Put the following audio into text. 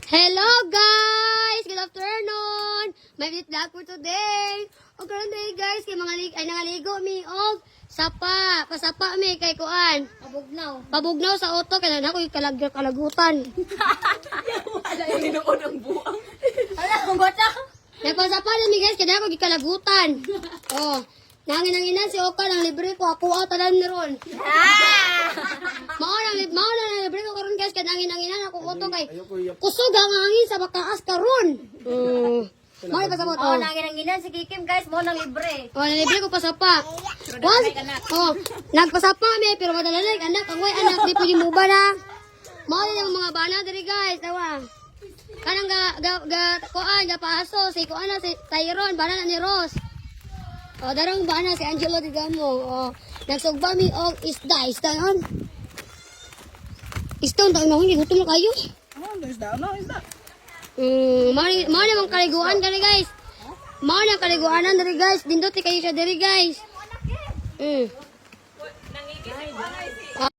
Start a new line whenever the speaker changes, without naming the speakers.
Hello guys! Good afternoon! May minute vlog for today. O karon day guys, kay nangaligo mi og sapa. Pasapa mi kay kuan.
Pabugnaw.
Pabugnaw sa auto kay na ko kalagutan.
Wala yung ninuod ang buang. Wala, kung bata.
Nagpasapa na mi guys kay na ko gikalagutan. Oh, nangin-nanginan si Oka ng libre ko ako tanan ni ron. Mao na libre ko karon guys kay nangin-nanginan ako auto kay kusog ang hangin sa bakaas karon. Mao pa sa moto.
Oh, nanginanginan si Kikim guys, mo nang libre.
Oh, nalibre ko pasapa. Nagpasapa mi pero madalalig anak, ang way anak di pwede mo ba na. Mao yung mga bana diri guys, tawa. Kanang kuan ga paso si kuan na si Tyron, bana na ni Ross. Oh, darong bana si Angelo Digamo. Oh, nagsugba mi og isda yon. Isda tayo na hindi gutom na kayo.
Isda.
Mao na mong kaliguan kani guys. Mao na kaliguanan diri guys. Dindot kayo siya diri guys.